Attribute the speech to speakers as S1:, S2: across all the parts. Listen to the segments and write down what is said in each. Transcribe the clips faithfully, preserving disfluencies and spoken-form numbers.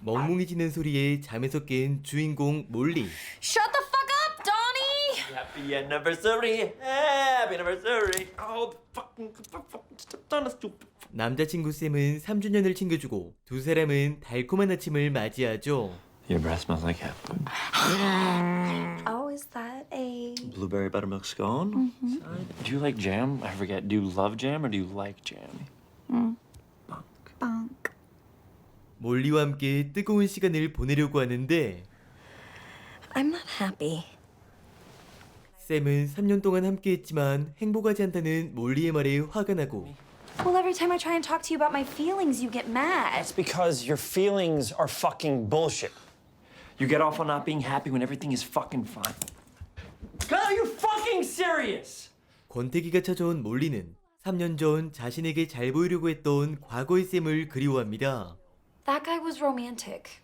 S1: 멍멍해지는 소리에 잠에서 깬 주인공 몰리.
S2: Shut the fuck up, Donnie!
S3: Happy anniversary! Happy anniversary! Oh, fucking, fucking, stop done, stupid.
S1: 남자친구 샘은 삼 주년을 챙겨주고 두 사람은 달콤한 아침을 맞이하죠.
S3: Your breath smells like cat food.
S2: Oh, is that a...
S3: Blueberry buttermilk scone? Mm-hmm. Do you like jam? I forget. Do you love jam or do you like jam?
S2: Mm.
S3: Bonk.
S2: Bonk.
S1: 몰리와 함께 뜨거운 시간을 보내려고 하는데
S2: I'm not happy.
S1: 샘은 삼 년 동안 함께했지만 행복하지 않다는 몰리의 말에 화가 나고
S2: Well, every time I try and talk to you about my feelings, you get mad.
S3: That's because your feelings are fucking bullshit. You get off on not being happy when everything is fucking fine. God, are you fucking serious?
S1: 권태기가 찾아온 몰리는 삼 년 전 자신에게 잘 보이려고 했던 과거의 샘을 그리워합니다.
S2: That guy was romantic.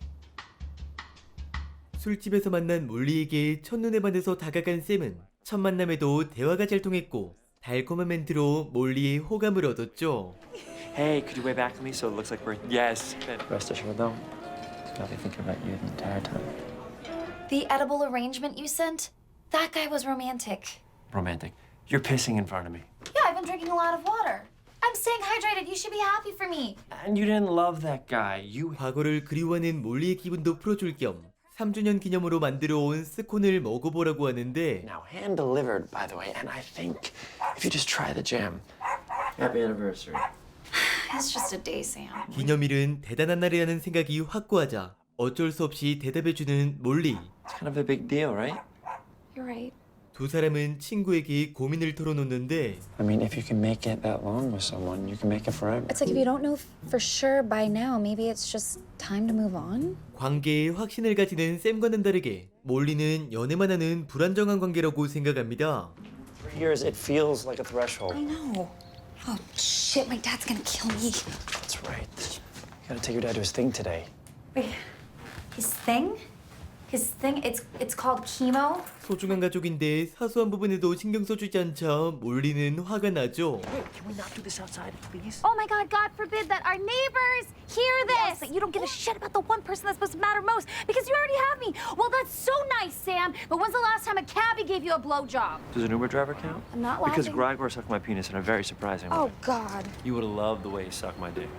S1: 술집에서 만난 몰리에게 첫눈에 반해서 다가간 샘은 첫 만남에도 대화가 잘 통했고 달콤한 멘트로 몰리의 호감을 얻었죠.
S3: Hey, could you wave back at me so it looks like we're... Yes. Rest assured, though, I'll be thinking about you the entire time.
S2: The edible arrangement you sent? That guy was romantic.
S3: Romantic. You're pissing in front of me.
S2: Yeah, I've been drinking a lot of water. I'm staying hydrated. You should be happy for me.
S3: And you didn't love that guy. You...
S1: 과거를 그리워하는 몰리의 기분도 풀어줄 겸 삼 주년 기념으로 만들어 온 스콘을 먹어보라고 하는데
S3: Now, hand-delivered, by the way, and I think if you just try the jam. Happy anniversary.
S2: It's just a day, Sam.
S1: 기념일은 대단한 날이라는 생각이 확고하자 어쩔 수 없이 대답해주는 몰리.
S3: It's kind of a big deal, right?
S2: You're right.
S1: 두 사람은 친구에게 고민을 털어놓는데
S3: I mean, if you can make it that long with someone, you can make it forever.
S2: It's like if you don't know for sure by now, maybe it's just time to move on.
S1: 관계에 확신을 가지는 샘과는 다르게 몰리는 연애만 하는 불안정한 관계라고 생각합니다.
S3: For years, it feels like a threshold.
S2: I know. Oh, shit, my dad's gonna kill me.
S3: That's right. You gotta take your dad to his thing today.
S2: Wait, his thing? His thing? It's it's called chemo?
S1: 소중한 가족인데 사소한 부분에도 신경 써주지 않자 몰리는 화가 나죠.
S3: Can we not do this outside, please?
S2: Oh my god, God forbid that our neighbors hear this! That you don't give a shit about the one person that's supposed to matter most because you already have me. Well, that's so nice, Sam, but when's the last time a cabbie gave you a blowjob?
S3: Does an Uber driver count?
S2: I'm not
S3: Because
S2: laughing.
S3: Gregor sucked my penis in a very surprising way.
S2: Oh god.
S3: You would have loved the way he sucked my dick.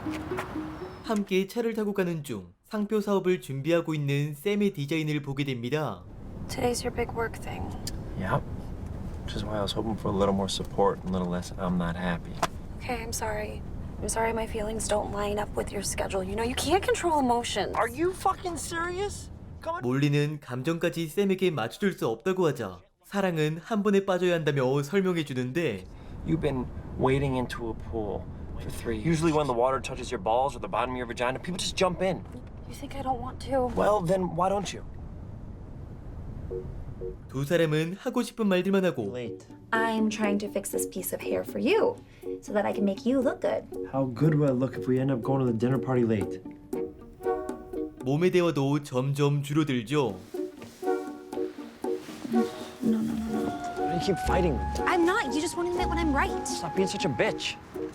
S1: 함께 차를 타고 가는 중 상표 사업을 준비하고 있는 샘의 디자인을 보게 됩니다.
S2: Today's your big work thing.
S3: Yep. Which is why I was hoping for a little more support and a little less I'm not happy.
S2: Okay, I'm sorry. I'm sorry my feelings don't line up with your schedule. You know, you can't control emotions.
S3: Are you fucking serious? Come on.
S1: 몰리는 감정까지 샘에게 맞춰줄 수 없다고 하자 사랑은 한 번에 빠져야 한다며 설명해 주는데
S3: You've been wading into a pool for three years. Usually when the water touches your balls or the bottom of your vagina, people just jump in.
S2: You think I don't want to?
S3: Well, then why don't you?
S1: 두 사람은 하고 싶은 말들만 하고
S3: Late.
S2: I'm trying to fix this piece of hair for you so that I can make you look good.
S3: How good would I look if we end up going to the dinner party late?
S1: 몸의 대화도 점점 줄어들죠.
S2: No, no, no, no.
S3: Why do you keep fighting me?
S2: I'm not. You just won't admit when I'm right.
S3: Stop being such a bitch.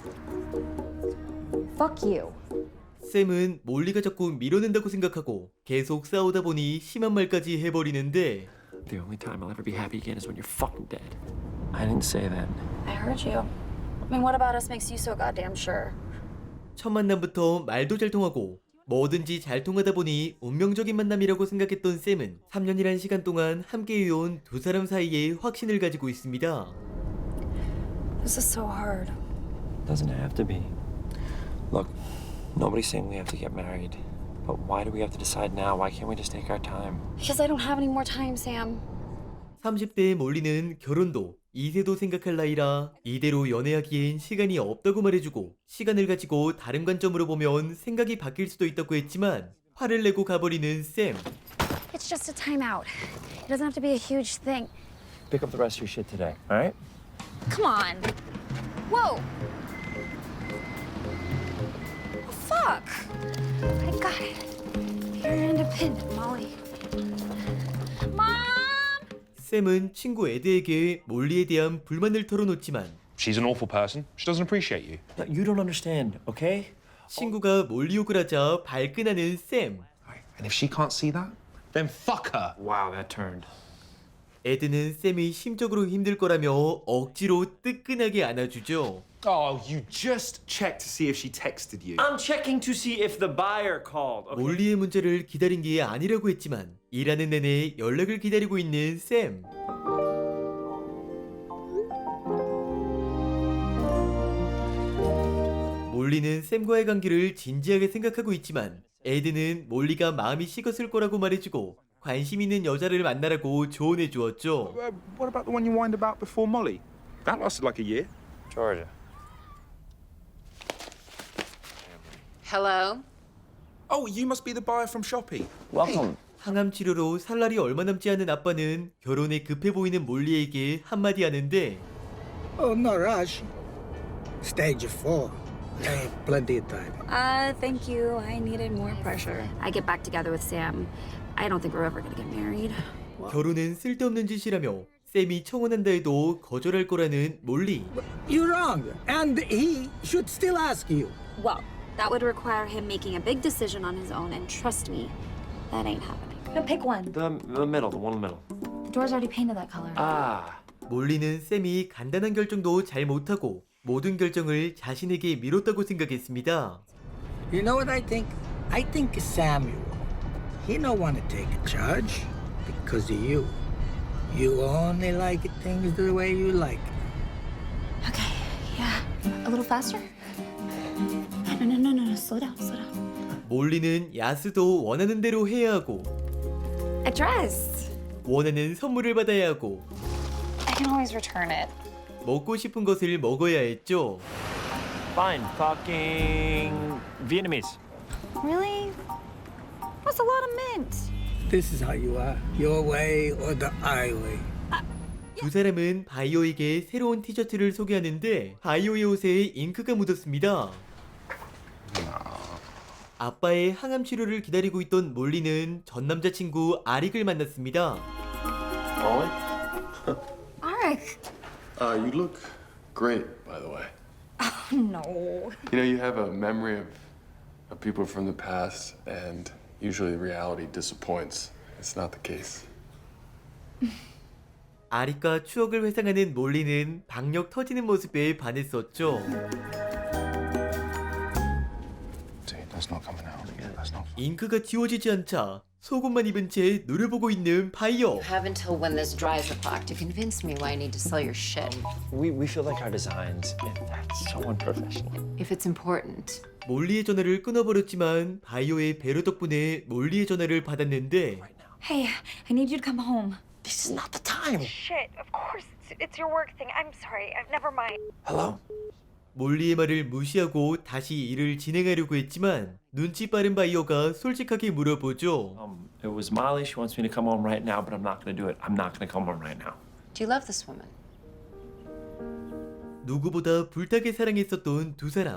S2: Fuck you.
S1: 샘은 몰리가 자꾸 밀어낸다고 생각하고 계속 싸우다 보니 심한 말까지 해버리는데
S3: The only time I'll ever be happy again is when you're fucking dead. I didn't say that.
S2: I heard you. I mean, what about us makes you so goddamn sure?
S1: 첫 만남부터 말도 잘 통하고 뭐든지 잘 통하다 보니 운명적인 만남이라고 생각했던 샘은 삼 년이란 시간 동안 함께 해온 두 사람 사이에 확신을 가지고 있습니다.
S2: This is so hard.
S3: It doesn't have to be. Look, nobody's saying we have to get married. But why do we have to decide now? Why can't we just take our time?
S2: Because I don't have any more time, Sam.
S1: 삼십 대에 몰리는 결혼도 이세도 생각할 나이라 이대로 연애하기엔 시간이 없다고 말해주고 시간을 가지고 다른 관점으로 보면 생각이 바뀔 수도 있다고 했지만 화를 내고 가버리는 샘.
S2: It's just a timeout. It doesn't have to be a huge thing.
S3: Pick up the rest of your shit today, all right?
S2: Come on. Whoa. Oh, fuck. I got it. You're independent, Molly. Mom!
S1: 샘은 친구 에드에게 몰리에 대한 불만을 털어놓지만
S4: She's an awful person. She doesn't appreciate you.
S3: No, you don't understand, okay?
S1: 친구가 몰리 욕을 하자 발끈하는 샘.
S4: And if she can't see that, then fuck her.
S3: Wow, that turned.
S1: 에드는 샘이 심적으로 힘들 거라며 억지로 뜨끈하게 안아주죠.
S4: Oh, you just checked to see if she texted you.
S3: I'm checking to see if the buyer called. Okay.
S1: 몰리의 문자를 기다린 게 아니라고 했지만 일하는 내내 연락을 기다리고 있는 샘. 몰리는 샘과의 관계를 진지하게 생각하고 있지만 에드는 몰리가 마음이 식었을 거라고 말해주고 관심 있는 여자를 만나라고 조언해 주었죠.
S4: Uh, what about the one you whined about before Molly? That lasted like a year.
S3: Georgia.
S5: Hello?
S4: Oh, you must be the buyer from Shopee.
S3: Welcome.
S1: 항암 치료로 살 날이 얼마 남지 않은 아빠는 결혼에 급해 보이는 몰리에게 한마디 하는데
S6: Oh, no rush. Stage four. I have plenty of time.
S2: Uh, thank you. I needed more pressure. I get back together with Sam. I don't think we're ever gonna get married.
S1: 결혼은 쓸데없는 짓이라며 샘이 청혼한다 해도 거절할 거라는 몰리.
S6: You're wrong. And he should still ask you.
S2: Well, that would require him making a big decision on his own, and trust me, that ain't happening. No, pick one.
S3: The, the middle, the one in the middle.
S2: The door's already painted that color.
S3: Ah.
S1: 몰리는 샘이 간단한 결정도 잘 못하고 모든 결정을 자신에게 미뤘다고 생각했습니다.
S6: You know what I think? I think Samuel. He don't want to take a charge because of you. You only like things the way you like them.
S2: Okay, yeah. A little faster? No, no, no, no, no. Slow down, slow down.
S1: 몰리는 야스도 원하는 대로 해야 하고
S2: A dress.
S1: 원하는 선물을 받아야 하고
S2: I can always return it.
S1: 먹고 싶은 것을 먹어야 했죠.
S3: Fine. Fucking Vietnamese.
S2: Really? That's a lot of mint.
S6: This is how you are. Your way or the highway.
S1: 두 사람은 바이오에게 새로운 티셔츠를 소개하는데 바이오의 옷에 잉크가 묻었습니다. 아빠의 항암 치료를 기다리고 있던 몰리는 전 남자친구 아릭을 만났습니다.
S3: Molly?
S2: Arik.
S7: Uh, you look great, by the way.
S2: No.
S7: You know, you have a memory of, of people from the past, and usually reality disappoints. It's not the case.
S1: 아릭과 추억을 회상하는 몰리는 박력 터지는 모습에 반했었죠.
S4: See, that's not coming out. That's not.
S1: 잉크가 지워지지 않자 속옷만 입은 채 눈을 보고 있는 바이오.
S5: You have until when this dries o'clock to convince me why I need to sell your shit.
S3: We, we feel like our designs, that's so unprofessional.
S5: If it's important.
S1: 몰리의 전화를 끊어버렸지만 바이오의 배려 덕분에 몰리의 전화를 받았는데
S2: Hey, I need you to come home.
S3: This is not the time.
S8: Shit, of course. It's, it's your work thing. I'm sorry. I've never mind.
S3: Hello?
S1: 몰리의 말을 무시하고 다시 일을 진행하려고 했지만 눈치 빠른 바이오가 솔직하게 물어보죠.
S3: Um, it was Molly. She wants me to come home right now, but I'm not going to do it. I'm not going to come home right now.
S5: Do you love this woman?
S1: 누구보다 불타게 사랑했었던 두 사람.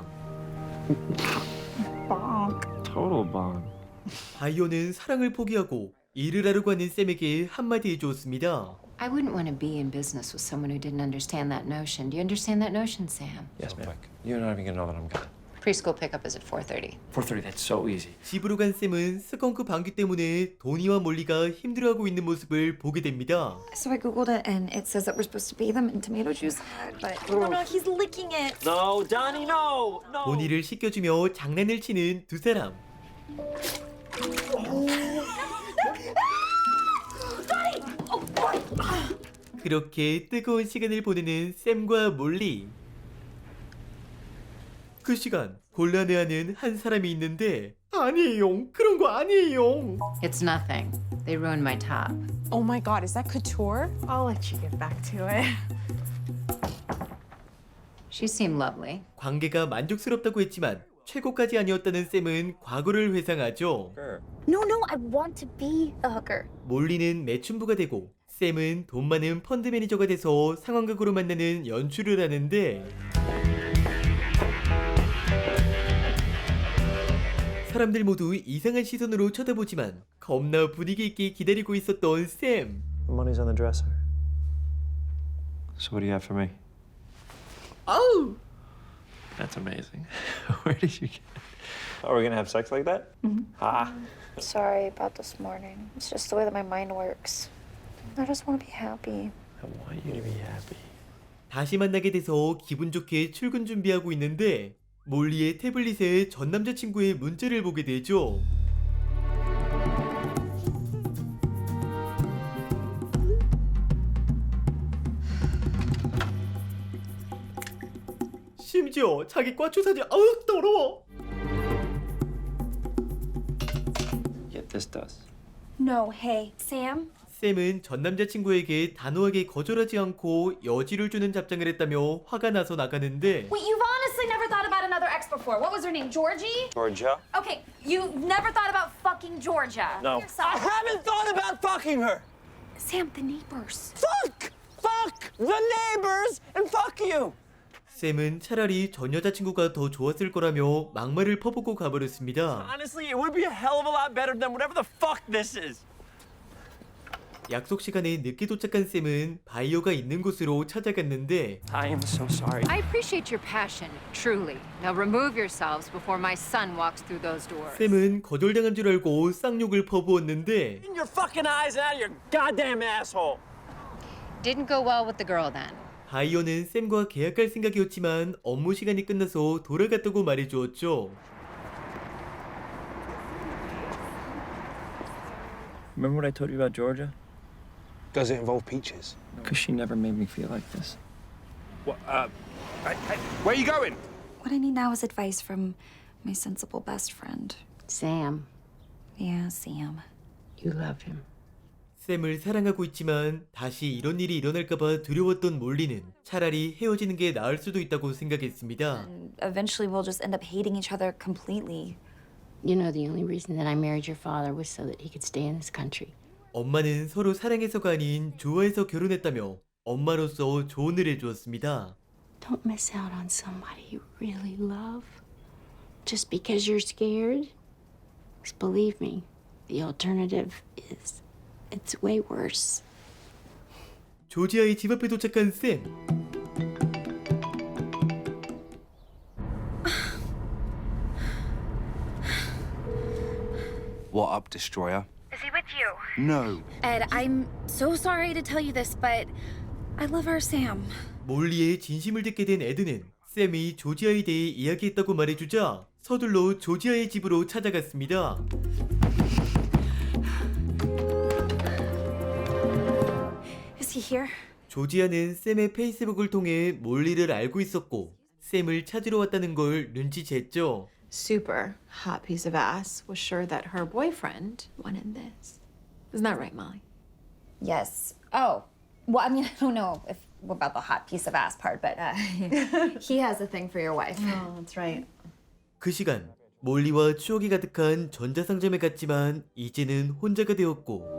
S3: Total bomb.
S1: 바이오는 사랑을 포기하고 일을 하려고 하는 샘에게 한마디 해주었습니다.
S5: I wouldn't want to be in business with someone who didn't understand that notion. Do you understand that notion, Sam?
S3: Yes, ma'am. You're not even going to know that I'm gone.
S5: Preschool pickup is at four thirty.
S3: four thirty, that's so easy.
S1: 집으로 간 샘은 스컹크 방귀 때문에 도니와 몰리가 힘들어하고 있는 모습을 보게 됩니다.
S2: So I googled it, and it says that we're supposed to bathe them in tomato juice. But no, no, he's licking it.
S3: No, Donnie, no! No!
S1: 도니를 씻겨주며 장난을 치는 두 사람. 그렇게 뜨거운 시간을 보내는 샘과 몰리. 그 시간 곤란해하는 한 사람이 있는데 아니에요. 그런 거 아니에요.
S5: It's nothing. They ruined my top.
S9: Oh my god, is that couture? I'll let you get back to it.
S5: She seemed lovely.
S1: 관계가 만족스럽다고 했지만 최고까지 아니었다는 샘은 과거를 회상하죠.
S2: No, no, I want to be a hooker.
S1: 몰리는 매춘부가 되고 샘은 돈 많은 펀드 매니저가 돼서 상황극으로 만나는 연출을 하는데 사람들 모두 이상한 시선으로 쳐다보지만 겁나 분위기 있게 기다리고 있었던 샘.
S3: The money's on the dresser. So what do you have for me?
S1: 아우!
S3: That's amazing. Where did you get it? Are we gonna have sex like that? Ah.
S8: Sorry about this morning. It's just the way that my mind works. I just want to be happy.
S3: I want you to be happy.
S1: 다시 만나게 돼서 기분 좋게 출근 준비하고 있는데 몰리의 태블릿에 전 남자친구의 문자를 보게 되죠. 심지어 자기 꽈추 사진 아우 더러워.
S3: Yet this does.
S8: No, hey, Sam?
S1: 샘은 전 남자친구에게 단호하게 거절하지 않고 여지를 주는 답장을 했다며 화가 나서 나가는데
S2: Wait, you've honestly never thought about another ex before. What was her name? Georgie?
S3: Georgia?
S2: Okay, you never thought about fucking Georgia.
S3: No.
S2: Yourself.
S3: haven't thought about fucking her.
S2: Sam, the neighbors.
S3: Fuck! Fuck the neighbors and fuck you.
S1: 샘은 차라리 전 여자친구가 더 좋았을 거라며 막말을 퍼붓고 가버렸습니다.
S3: Honestly, it would be a hell of a lot better than whatever the fuck this is.
S1: 약속 시간에 늦게 도착한 샘은 바이오가 있는 곳으로 찾아갔는데
S3: I am so sorry.
S5: I appreciate your passion, truly. Now remove yourselves before my son walks through those doors.
S1: 샘은 거절당한 줄 알고 쌍욕을 퍼부었는데
S3: In your fucking eyes and out of your goddamn asshole.
S5: Didn't go well with the girl then.
S1: 바이오는 샘과 계약할 생각이었지만 업무 시간이 끝나서 돌아갔다고 말해주었죠.
S3: Remember what I told you about Georgia?
S4: Does it involve peaches?
S3: Because she never made me feel like this.
S4: What, uh, hey, hey, where are you going?
S8: What I need now is advice from my sensible best friend.
S5: Sam,
S8: Yeah, Sam.
S5: you love him.
S1: 샘을 사랑하고 있지만 다시 이런 일이 일어날까봐 두려웠던 몰리는 차라리 헤어지는 게 나을 수도 있다고 생각했습니다.
S8: Eventually, we'll just end up hating each other completely.
S5: You know the only reason that I married your father was so that he could stay in this country.
S1: 엄마는 서로 사랑해서가 아닌 좋아해서 결혼했다며 엄마로서 조언을 해주었습니다.
S5: Don't miss out on somebody you really love just because you're scared. 'Cause believe me, the alternative is it's way worse.
S1: 조지아의 집 앞에 도착한 샘.
S4: What up, Destroyer?
S8: Is he with you?
S4: No.
S8: Ed, I'm so sorry to tell you this, but I love our Sam.
S1: 몰리의 진심을 듣게 된 에드는 샘이 조지아에 대해 이야기했다고 말해주자 서둘러 조지아의 집으로 찾아갔습니다.
S8: Is he here?
S1: 조지아는 샘의 페이스북을 통해 몰리를 알고 있었고 샘을 찾으러 왔다는 걸 눈치챘죠.
S9: Super hot piece of ass was sure that her boyfriend wanted this. Isn't that right, Molly?
S2: Yes. Oh. Well, I mean, I don't know if about the hot piece of ass part, but uh, he has a thing for your wife.
S9: Oh, that's right.
S1: 그 시간 몰리와 추억이 가득한 전자상점에 갔지만 이제는 혼자가 되었고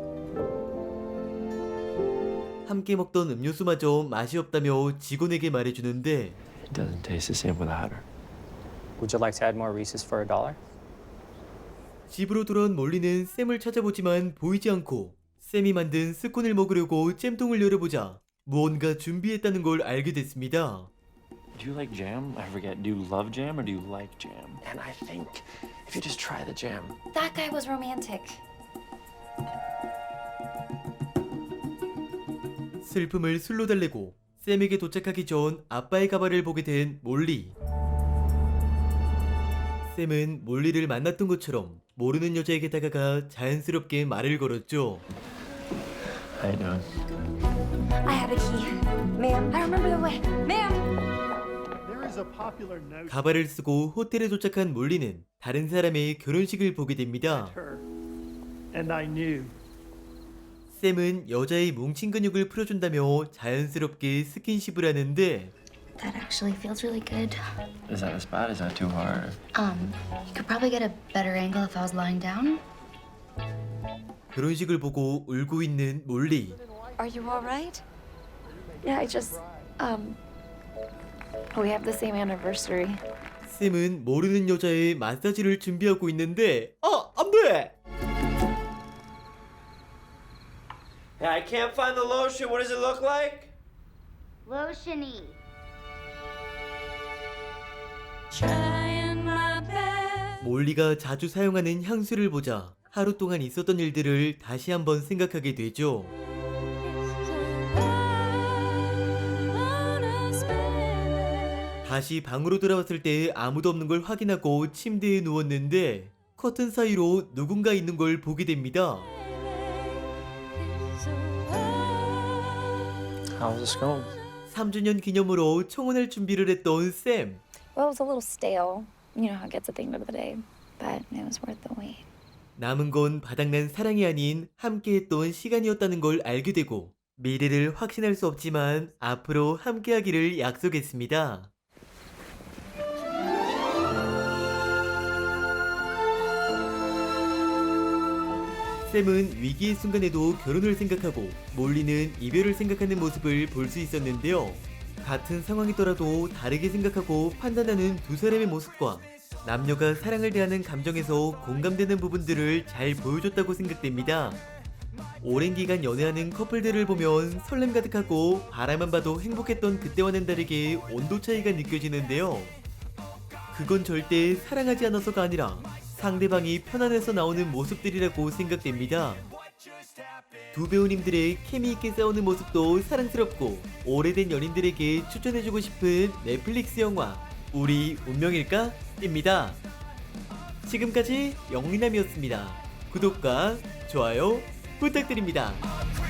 S1: 함께 먹던 음료수마저 맛이 없다며 직원에게 말해주는데
S3: It doesn't taste the same without her.
S10: Would you like to add more Reese's for a dollar?
S1: 집으로 돌아온 몰리는 샘을 찾아보지만 보이지 않고 샘이 만든 스콘을 먹으려고 잼통을 열어보자 무언가 준비했다는 걸 알게 됐습니다.
S3: Do you like jam? I forget. Do you love jam or do you like jam? And I think if you just try the jam.
S2: That guy was romantic.
S1: 슬픔을 술로 달래고 샘에게 도착하기 전 아빠의 가발을 보게 된 몰리. 샘은 몰리를 만났던 것처럼 모르는 여자에게 다가가 자연스럽게 말을 걸었죠.
S3: How you doing?
S8: I have a key. Ma'am, I remember the way. Ma'am!
S1: 가발을 쓰고 호텔에 도착한 몰리는 다른 사람의 결혼식을 보게 됩니다.
S11: And I knew.
S1: 샘은 여자의 뭉친 근육을 풀어준다며 자연스럽게 스킨십을 하는데
S8: That actually feels really good.
S3: Is that a spot? Is that too hard?
S8: Um, you could probably get a better angle if I was lying down.
S1: 결혼식을 보고 울고 있는 몰리.
S8: Are you all right? Yeah, I just, um, we have the same anniversary.
S1: 샘은 모르는 여자의 마사지를 준비하고 있는데 아! 안 돼!
S3: Hey, I can't find the lotion. What does it look like?
S8: Lotiony.
S1: 몰리가 자주 사용하는 향수를 보자 하루 동안 있었던 일들을 다시 한번 생각하게 되죠. 다시 방으로 돌아왔을 때 아무도 없는 걸 확인하고 침대에 누웠는데 커튼 사이로 누군가 있는 걸 보게 됩니다.
S10: How was the scone?
S1: 삼 주년 기념으로 청혼할 준비를 했던 샘.
S8: Well, it was a little stale. You know how it gets at the end of the day, but it was worth the wait.
S1: 남은 건 바닥난 사랑이 아닌 함께했던 시간이었다는 걸 알게 되고 미래를 확신할 수 없지만 앞으로 함께하기를 약속했습니다. 샘은 위기의 순간에도 결혼을 생각하고 몰리는 이별을 생각하는 모습을 볼 수 있었는데요. 같은 상황이더라도 다르게 생각하고 판단하는 두 사람의 모습과 남녀가 사랑을 대하는 감정에서 공감되는 부분들을 잘 보여줬다고 생각됩니다. 오랜 기간 연애하는 커플들을 보면 설렘 가득하고 바라만 봐도 행복했던 그때와는 다르게 온도 차이가 느껴지는데요. 그건 절대 사랑하지 않아서가 아니라 상대방이 편안해서 나오는 모습들이라고 생각됩니다. 두 배우님들의 케미있게 싸우는 모습도 사랑스럽고 오래된 연인들에게 추천해주고 싶은 넷플릭스 영화 우리 운명일까? 입니다. 지금까지 영리남이었습니다. 구독과 좋아요 부탁드립니다.